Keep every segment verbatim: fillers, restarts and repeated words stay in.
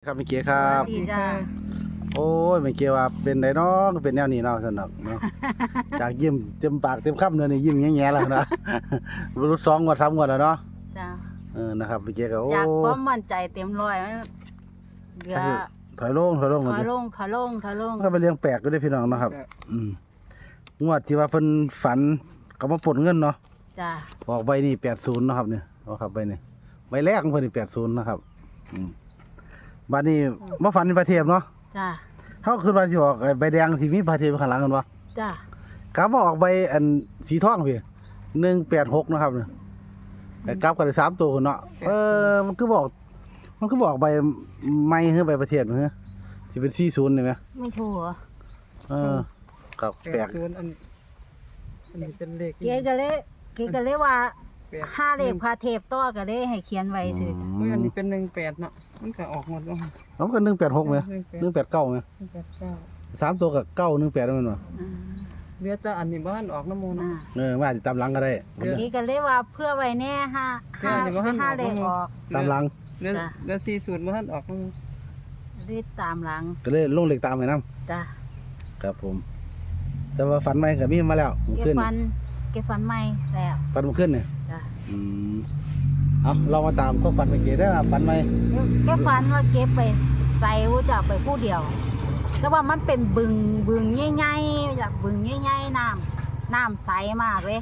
ครับเมื่อกี้ครับดีจ้าโอ้ยเมื่อกี้ว่าเป็นไดน้องเป็นแนวนี้เนาะสนุกเนาะ จากยิ้มเต็มปากเต็มคำเนื้อนี่ยิ้มแง่ๆแล้วนะ รู้สองงวดสามงวดแล้วเนาะจ้าเออนะครับเมื่อกี้ก็โอ้จากความมั่นใจเต็มร้อยมันเหลือถอยลงถอยลงถก่อนอยดิลงถอยลงถอยลงมันก็ไปเลี้ยงแปลกก็ได้พี่น้องเนาะครับ อืมงวดที่ว่าเพิ่นฝันก็มาปลดเงินเนาะจ้าออกใบนี่แปดศูนย์เนาะครับเนี่ยเอาครับใบนี่ใบแรกของเพิ่นนี่แปดศูนย์นะครับ อืมบัดนี้มาฝันในประเทศเนาะจ้าเขาคือว่าสิออกไอ้ใบแดงที่มีประเทศข้างหลังกันวะจ้ากลับมาออกใบอันสีทองพี่หนึ่งแปดหกนะครับเนี่ยแต่กลับกันได้สามตัวเนาะเออมันคือบอก มันคือบอกใบไม่คือใบประเทศเหรอที่เป็นสี่ศูนย์นี่ไหมไม่ถูกเหรอเออกับแปลกศูนย์อันอันนี้เป็นเลขเก๋ก็เลยเก๋ก็เลยว่าแปดห้าเลขพาเทพต่อก็เลยให้เขียนไว้สิอือุ้ยอันมนี้เป็นหนึ่งแปดเนาะมันก็ออกหมดแล้วแล้วก็หนึ่งแปดหกไหมหนึ่งแปดเก้าไหมหนึ่งแปดเก้าสามตัวกับเก้าหนึ่งแปดนั่นวะอ่าเหลือแต่อันนี้บ้านออกน้ำมูลอ่าเนาะเออมาอาจจะตามหลังก็ได้เดี๋ยวเก๋ก็เลยว่าเพื่อไว้แน่ห้าห้าเดี๋ยวบ่ทันห้าออกเลขออกตามหลังเหลือจ้ะเหลือสี่ศูนย์บ้านออกน้ำมูลรีบตามหลังก็เลยลงเหล็กตามไปน้จ้าำครับผม แต่ว่าฝันใหม่กับมีมาแล้วมันเก็บขึ้นฟันเก็บฟันใหม่แล้วฝันมันขึ้นเนี่ยจ้าอืมเอาเรามาตามก็ฝันเมื่อกี้ได้อฝันไหมเก็บฟันว่าเก็บไปใส่ว่าจะไปผู้เดียวแต่ว่ามันเป็นบึงบึงใหญ่ๆจากบึงใหญ่ๆน้ำน้ำใสมากเลย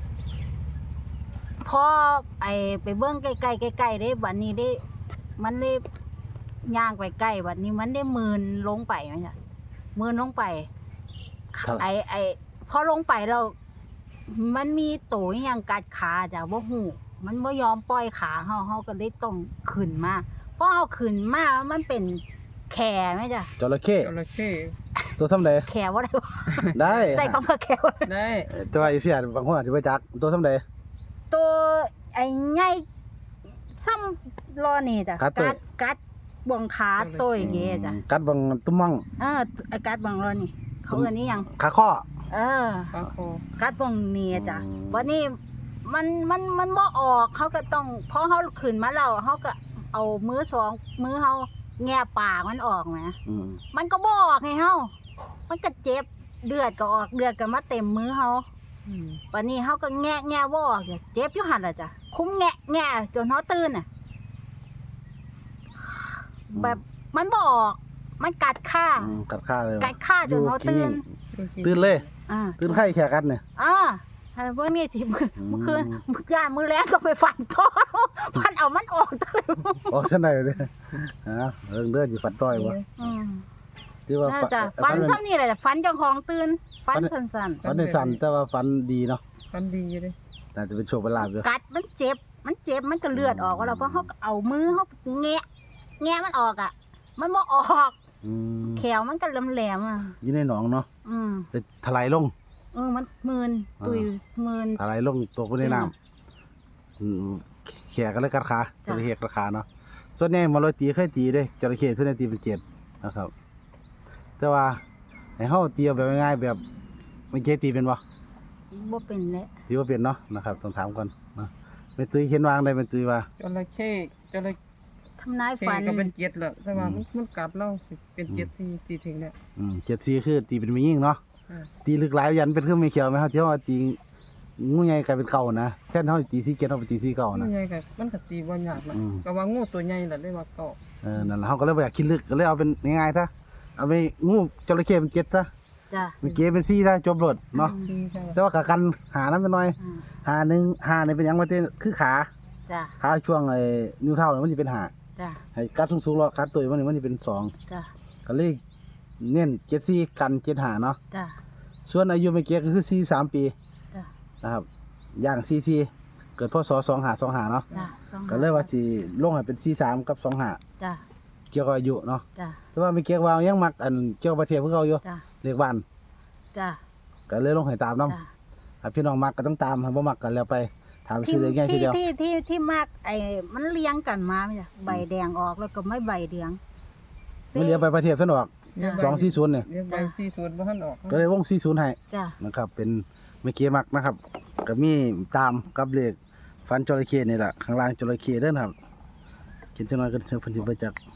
พอไอไปเบิ้งใกล้ๆใกล้ๆได้บัดนี้ได้มันได้ย่างไปใกล้บัดนี้มันได้มืนลงไปไหมจ๊ะมืนลงไป ไอไอพอลงไปแล้วมันมีตัวอหย่างกัดขาจ้ะว่าหูมันไม่ยอมปล่อยขาเฮาเฮาก็เลยต้องขึ้นมาพอเอาขึ้นมามันเป็นแขไหมจ้ะจระเข้จระเข้ตัวซ้ำใดแขว่าอะไรวะได้ใส่คำว่าแขว่าได้แต่ว่าอีเสียบางคนอาจจะไปจักตัวซ้ำใดตัวไอ้ใหญ่ซ้ำรอนี่จ้ะกัดตัวกัดกัดบวงขาตัวอย่างเงี้ยจ้ะกัดบางตุ้มมั่งเออไอ้กัดบวงรอนี่เขาเอิ้นนี่ยังขาข้อเออปลาคอกัดบวงนี่จ้ะอืมวันนี้มันมันมันบ่ออกเขาก็ต้องพอเขาขึ้นมาแล้วเขาก็เอามือสองมือเขาแง่ปากมันออกนะอืมมันก็บ่ออกให้เขามันก็เจ็บเดือดก็ออกเดือดก็มาเต็มมือเขาอืมวันนี้เขาก็แง่แง่บ่ออกเนี่ยเจ็บอยู่หันละจ้ะคุ้มแง่แง่จนเขาตื่นน่ะแบบมันบ่ออกมันกัดข้าอืมกัดข้าเลยกัดข้าจนเขาตื่นตื่นเลยอ่าตื่นไข้แค่กัดเนี่ยอ่าถ้าพวกนี้ที่มืออืมเมื่อคืนมือย่านมือแรงก็ไปฟันท้องฟันเอามันออกตลอดออกชั้นใดเลยฮะเรื่องเลือดอยู่ฟันต้อยวะอืมที่ว่าน่าฟันจะฟัฟันนมันซ้ำนี่แหละฟันเจ้าของตื่นฟันสั้นฟันในสันแต่ว่าฟันดีเนาะฟันดีอยู่เลยน่าจะเป็นโชคเป็นลาภอยู่ๆกัดมันเจ็บ มันเจ็บมันก็เลือดออกว่าเราเพราะเขาก็เอามือเขาแงะแงะมันออกอ่ะ มันบ่ออกอืมแขวมันก็แหลมๆอ่ะอยู่ในหนองเนาะอืมจะถลายลงเออมันมืนตุยมืนถลายลงตกไปในน้ำอืมแขกก็เลยกัดขาจจ้ะระเข้กัดขาเนาะส่วนใหญ่มาลอยตีเคยตีเด้จระเข้ส่วนใหญ่ตีเป็นเจ็ดนะครับ แต่ว่าให้เฮาตีเอาแบบง่ายๆแบบไม่เคยตีเป็นบ่บ่เป็นแล้วตีว่าเป็นเนาะนะครับต้องถามก่อนนะเป็นตุยเขียนวางได้เป็นตุยว่าจระเข้จระทำนายเข้ฝันก็เป็นเจ็ดแหละแต่ว่าอืมมันมันกัดเราเป็นเจ็ดที่ตีถึงเนี่ยอืมเจ็ดสี่คือตีเป็นไม่ยิ่งเนาะอ่าตีลึกหลายยันเป็นเครื่องไม่เขียวไหมครับที่ว่าตีงูใหญ่กลายเป็นเก่านะแค่เท่าตีสี่เจ็ดเอาไปตีสี่เก่ามันะนใหญ่กับมันก็ตีบ่ยากนะอืมก็ว่างูตัวใหญ่แหละได้ว่าเกาะเออนั่นแหละเขาก็เลยบ่อยากคิดลึกก็เลยเอาเป็นง่ายๆซะเอาไปงูจระเข้เป็นเจ็ดซะจ้ะเมื่อกี้เป็นสี่ซะจบรถเนาะดีใช่แต่ว่ากะกันหานั้นไปหน่อยอืมหาหนึ่งหาเนี่ยเป็นหยังว่าเต้นคือขาจ้ะขาช่วงไอ้นิ้วเท้าเนี่ยมันจะเป็นหาจ้ะให้กัดสูงๆแล้วกัดตัวมันนี่มันจะเป็นสองจ้ะก็เลยเน้นเจ็ดสี่กันเจ็ดหาเนาะจ้ะส่วนอายุเมื่อกี้ก็คือสี่สามปีจ้ะนะครับย่างสี่สี่เกิดพศสองหาสองหาเนาะจ้ะสองก็เลยว่าสิลงให้เป็นสี่สามกับสองหาจ้ะเกี่ยวกับอายุเนาะจ้ะแต่ว่าไม่เกี่ยวว่ายังมักอันเกี่ยวกับประเทศพวกเขาอยู่จ้ะเรียกบ้านจ้ะก็เลยลงให้ตามน้จ้ะำถ้าพี่น้องมักก็ต้องตามถ้าบ่มักกันแล้วไปถามที่ชื่อเลยง่ายทีที่เดียวที่ที่ที่มากไอ้มันเลี้ยงกันมาไหมจ้ะใบแดงออกแล้วก็ไม่ใบเหลืองไม่เหลียวไปประเทศซะหนอกจ้ะสองสี่ศูนย์เนี่ยเรียกใบสี่ศูนย์บ่ทันออกก็เลยวงสี่ศูนย์ให้จ้ะนะครับเป็นไม่เกี่ยวมักนะครับก็มีตามกับเลขฟันจระเข้นี่แหละข้างล่างจระเข้เด้อนะครับเขียนจังหน่อยก็เพิ่นสิไปจัก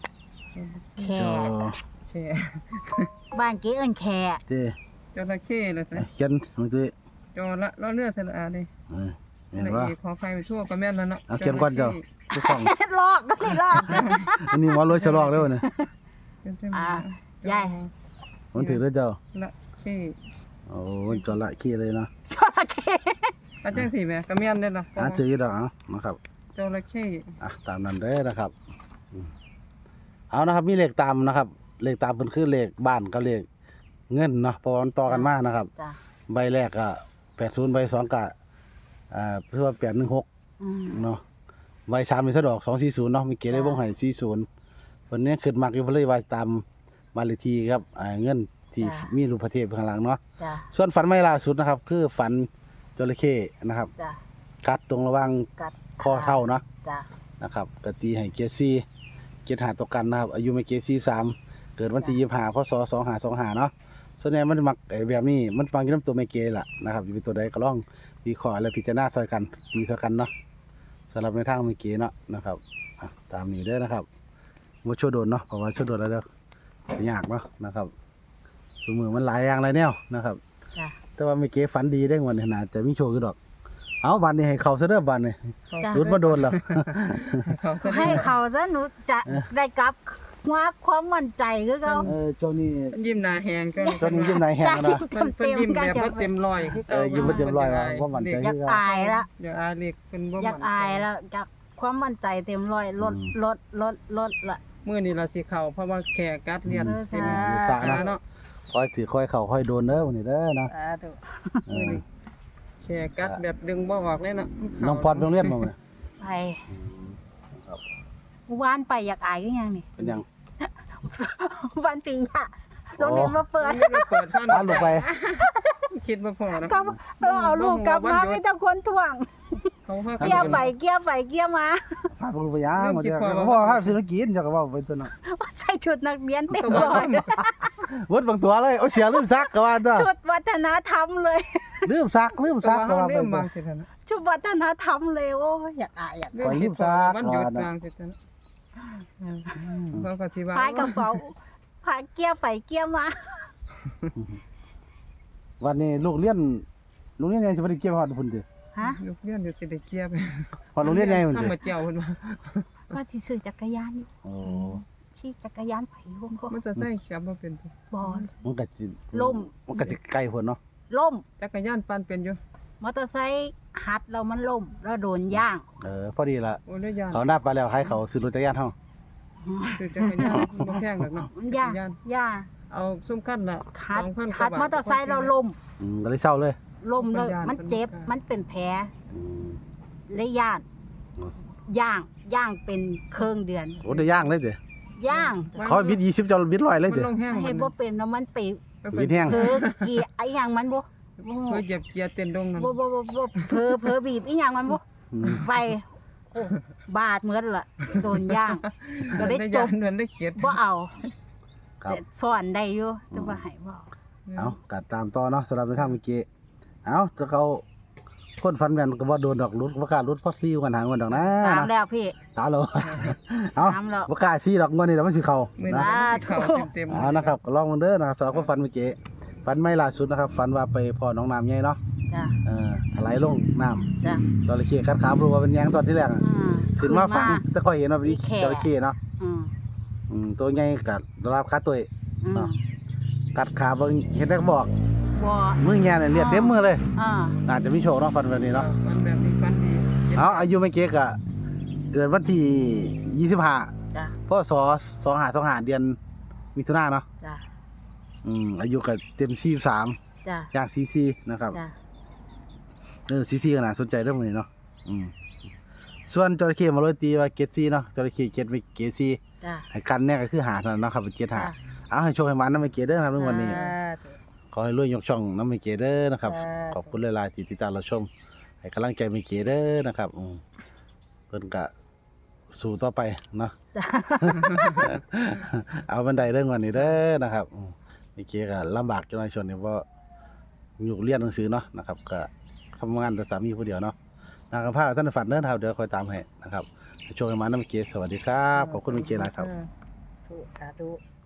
แขจอแค่บ้านเก๋เอิ้นแขเจ้จระเข้เลยสิเขียนมันตุ้ยจอละล้อเลือดสระอาดิเออเห็นละว่าเอียดขอใครไปทั่วก็แม่นแล้วเนาะเอาเขียนก่อนเจ้า ทุกของลอกก็นี่ลอกอันนี้หมอรวยฉลองแล้วเนี่ยอ่า ยายมันถือแล้วเจ้าละเข้โอ้มันจอละขี้เลยเนาะจระเข้อาจังสิแม่ก็แม่นเด้อล่ะอ่ะถืออยู่ดอกเอานะครับจระเข้อ่ะตามนั้นเด้อนะครับอืมเอานะครับมีเลขตามนะครับ เลขตามเป็นคือเลขบ้านกับเลขเงินเนาะเพราะว่ามันต่อกันมานะครับจ้ะใบแรกก็แปดศูนย์ใบสองก็อ่าเพื่อว่าแปดหนึ่งหกอืมเนาะใบสามเป็นสะดอกสองสี่ศูนย์เนาะมีเกณฑ์ได้วงให้สี่ศูนย์วันนี้ขึ้นมากอยู่เพนเลยว่าตามบ้านเลขที่ครับอ่าเงินที่มีรูปพระเทพข้างหลังเนาะจ้ะส่วนฝันไม่ล่าสุดนะครับ คือฝันจระเข้นะครับจ้ะกัดตรงระหว่างกัดข้อเท้าเนาะจ้ะนะครับกตีให้เกซีเกตหาตัวกันนะครับ อายุไม่เกซีสามเกิดวันที่ยี่สิบห้าพศสองห้าสองห้าเนาะส่วนใหญ่มันมักไอ้แบบนี้มันฟังอยู่น้ำตัวไม่เกล่ะนะครับอยู่เป็นตัวใดก็ลองวิเคราะห์และพิจารณาซอยกันตีซอยกันเนาะสำหรับในทางไม่เกเนาะนะครับอ่ะตามนี้เด้อนะครับว่าช่วยโดนเนาะเพราะว่าช่วยโดนแล้วเด้อยากเนาะนะครับสมือมันหลายอย่างหลายแนวนะครับจ้ะแต่ว่าไม่เกฝันดีได้งวันนี้น่าจะมีโชว์คือดอก เอาบันนี้ให้เขาซะเด้อบันนี้จ้ะรุดมาโดนแล้วเขาซะให้เขาซะหนูจะได้กลับว่าความมั่นใจคือเขาเออเจ้านี่ยิ้มหน้าแหงก็เจ้านี่ยิ้มนายแห้งนะมันเพิ่นยิ้มแบบบ่เต็มร้อยคือเออยิ้มบ่เต็มร้อยว่าบ่มั่นใจอยากอายละอยากอายเล็กเพิ่นบ่อยากอายแล้วอยากความมั่นใจเต็มร้อยลดลดลดลดละมื้อนี้เราสิเข้าเพราะว่าแขกกัดเลียนเต็มสาขานะเนาะคอยถือคอยเข่าคอยโดนเด้อวันนี้เด้อนะสาธุเอมื้ออนี้แขกกัดแบบดึงบ่ออกเลยเนาะน้องพอดโรงเรียนมาไหมไปวานไปอยากอายคือหยังนี่เป็นยังวานปีอะโรงเรียนมาเปิดไม่ได้เปิดท่านอ่านลงไปคิดบ่พอนะกลับเราเอาลูกกลับมาไม่ต้องคนท่วงเขาพาเกี่ยวไปเกี่ยวไปเกี่ยวมาพาลงไปยังมาเดี๋ยวก็พ่อพาศิลกินเจ้าก็ว่าไปตัวน่ะใส่ชุดนักเรียนเต็มก็เลบ่ยวดบางตัวเลยโอ้เสียลืมซักก็ว่าเด้อชุดวัฒนธรรมเลยลืมซักลืมซักก็ว่าไปเรื่องตัวบางสิท่านชุดวัฒนธรรมเลยโอ้ยอยากอายอยากเรื่องคิดพอมันหยุดบางสิท่านเขาก็สิว่าพายกระเป๋าพาเกี่ยวไปเกี่ยวมาวันนี้ลูกเรียนโรงเรียนใหญ่สิบ่ได้เกี่ยวฮอดพุ่นติฮะลูกเรียนอยู่สิได้เกียบฮอดโรงเรียนใหญ่พุ่นถ้าติมาเจียวเพิ่นว่าว่าที่ซื้อจักรยานอยู่โอ้ขี่จักรยานไปวงก็มันจะใส่ขับบ่เป็นตัวบอลมันก็สิล่มมันก็สิไกลพุ่นเนาะล่มจักรยานปั่นเป็นอยู่มอเตอร์ไซค์หัดแล้วมันล่มแล้วโดนย่างเออพอดีละโอ้ยยานเขาหน้าไปแล้วให้เขาซื้อรถจักรยานเฮาคือจักรยานบ่แพงหรอกเนาะมันจัย่าก งรยานย่างเอาซุ้มกั้นละหัดสองพันกหัว่าดบาทมอเตอร์ไซค์เราล่มอืมก็เลยเศร้าเลยล่มเลยมันย่านมันเจ็บมันมันเป็นแผลอืมเลยย่านย่างย่างเป็นเครื่องเดือนโอ้ได้ย่างเลยเด้ย่างเขาบิดยี่สิบเจ้าบิดร้อยเลยมันเด้ลงแห้งเห็นบ่เป็นแล้วมันไปบิดแห้งเผลอเกียร์ไอ้หยังมันบ่เพื่อเหยียบเกียร์เต้นดงนั่นบ่บ่บ่บ่เผลอเผลอบีบอีหยังมันบ่อืมไปโอ้บาดเหมือนล่ะโดนย่าง ก็ได้ได้จยาบนเหมือนได้เขียดบ่เอาครับแต่สอนได้อยู่แต่ว่าให้บ่เอาเอากัดตามต่อเนาะสำหรับในทางเมื่อกี้เอาจะเขาคนฟันแม่นก็บ่โดนดอกรุดบ่กล้ารุดเพราะซี่กันหางมันดอกนะสามนะแล้วพี่ตาโลเอาสามแล้วบ่กล้าซี่ดอกงวดนี้เดี๋ยวมันสิเข้ามือนะนี้เขาเต็มๆเอานะครับก็ลองมันเด้อนะครับสำหรับคนฟันเมื่อกี้ฟันไม่ล่าสุดนะครับฟันว่าไปพอน้องน้ำใหญ่เนาะจ้ะเออถลายลงน้ำจ้ะจระเข้กัดขาบ่รู้ว่าเป็นหยังตอนที่แรกอะอืมขึ้นมาฟังแต่ก็เห็นว่าเป็นมีแค่จระเข้เนาะอืมอืมตัวใหญ่กัดรับขาตัวเองอืมกัดขาเบิ่งเห็นได้ก็บอกบ่มือแง่เนี่ยเลือดเต็มมือเลยอ่าน่าจะมีโชคเนาะฟันแบบนี้เนาะมันแบบนี้ฟันดีเอาอายุไม่เก๊กอะเกิดวันที่ยี่สิบห้าจ้ะพศสองห้าสองห้าเดือนมิถุนายนเนาะจ้ะอืมอายุก็เต็มสี่สามจ้ะอย่างสี่สี่นะครับจ้ะเออสี่สี่ก็น่าสนใจเรื่องนี้เนาะอืมส่วนจระเข้มาเลยตีว่าเกตซี่เนาะจระเข้เกตไม่เกตซี่จ้ะให้กันเนี่ยก็คือหาเท่านั้นเนาะครับเป็นเกตหาจ้ะเอาให้โชคให้มันน้ำไม่เกตเด้อนะครับในวันนี้สาธุขอให้รวยยกช่องน้ำไม่เกเด้อนะครับสาธุขอบคุณหลายๆที่ติดตามเราชมให้กำลังใจไม่เกเด้อนะครับอืมเพิ่นก็สู้ต่อไปเนาะจ้ะเอาบันไดเรื่องวันนี้เด้อนะครับอืมไม่เกก็ลำบากจังหน่อยช่วงนี้เพราะอยู่เรียนหนังสือเนาะนะครับก็ทำงานแต่สามีผู้เดียวเนาะนะครับพาท่านฝันเด้อนะครับเดี๋ยวคอยตามให้นะครับให้โชคให้มาน้ำเกสวัสดีครับขอบคุณไม่เกหลายครับเออธุสาธุ